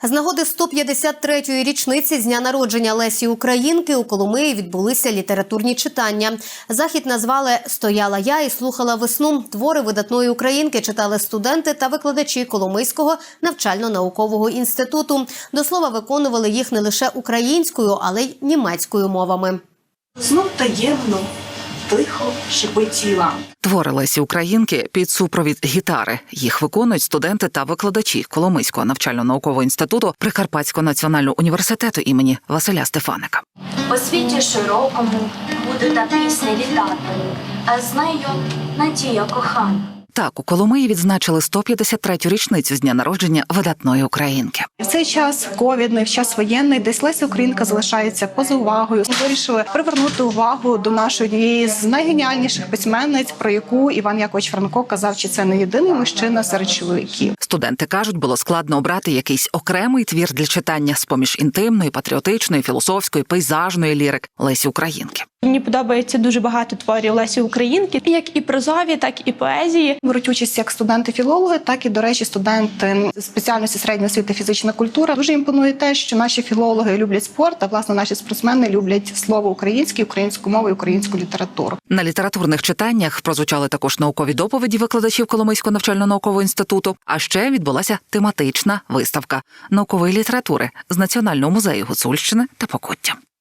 З нагоди 153-ї річниці з дня народження Лесі Українки у Коломиї відбулися літературні читання. Захід назвали «Стояла я і слухала весну». Твори видатної українки читали студенти та викладачі Коломийського навчально-наукового інституту. До слова, виконували їх не лише українською, але й німецькою мовами. Знов таємно, тихо шепотіла. Твори Лесі Українки під супровід гітари. Їх виконують студенти та викладачі Коломийського навчально-наукового інституту Прикарпатського національного університету імені Василя Стефаника. По світі широкому буде та пісня літати, а з нею надія кохана. Так, у Коломиї відзначили 153-ю річницю з дня народження видатної українки. В цей час ковідний, в час воєнний, десь Леся Українка залишається поза увагою. Ми вирішили привернути увагу до нашої однієї з найгеніальніших письменниць, про яку Іван Якович Франко казав, що це не єдиний мужчина серед чоловіків. Студенти кажуть, було складно обрати якийсь окремий твір для читання з-поміж інтимної, патріотичної, філософської, пейзажної лірик Лесі Українки. Мені подобається дуже багато творів Лесі Українки, як і прозові, так і поезії. Беруть участь як студенти-філологи, так і, до речі, студенти спеціальності середньої освіти фізична культура. Дуже імпонує те, що наші філологи люблять спорт, а, власне, наші спортсмени люблять слово українське, українську мову і українську літературу. На літературних читаннях прозвучали також наукові доповіді викладачів Коломийського навчально-наукового інституту, а ще відбулася тематична виставка наукової літератури з Національного музею Гуцульщини та Покуття.